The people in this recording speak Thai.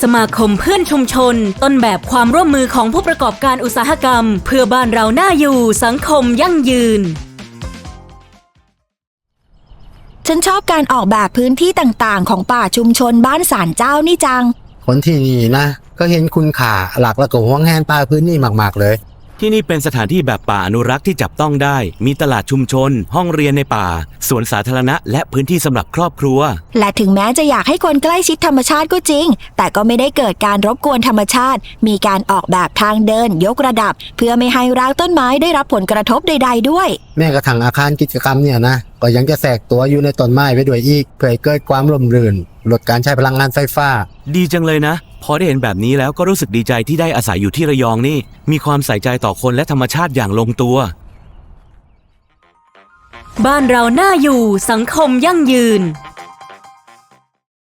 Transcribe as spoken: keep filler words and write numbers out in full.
สมาคมเพื่อนชุมชนต้นแบบความร่วมมือของผู้ประกอบการอุตสาหกรรมเพื่อบ้านเราน่าอยู่สังคมยั่งยืนฉันชอบการออกแบบพื้นที่ต่างๆของป่าชุมชนบ้านศาลเจ้านี่จังคนที่นี่นะก็เห็นคุณค่าหลักและก็หวงแหนป่าพื้นนี่มากๆเลยที่นี่เป็นสถานที่แบบป่าอนุรักษ์ที่จับต้องได้มีตลาดชุมชนห้องเรียนในป่าสวนสาธารณะและพื้นที่สำหรับครอบครัวและถึงแม้จะอยากให้คนใกล้ชิดธรรมชาติก็จริงแต่ก็ไม่ได้เกิดการรบกวนธรรมชาติมีการออกแบบทางเดินยกระดับเพื่อไม่ให้รากต้นไม้ได้รับผลกระทบใดๆด้วยแม้กระทั่งอาคารกิจกรรมเนี่ยนะก็ยังจะแทรกตัวอยู่ในต้นไม้ไปด้วยอีกเพื่อให้เกิดความร่มรื่นลดการใช้พลังงานไฟฟ้าดีจังเลยนะพอได้เห็นแบบนี้แล้วก็รู้สึกดีใจที่ได้อาศัยอยู่ที่ระยองนี่มีความใส่ใจต่อคนและธรรมชาติอย่างลงตัวบ้านเราน่าอยู่สังคมยั่งยืน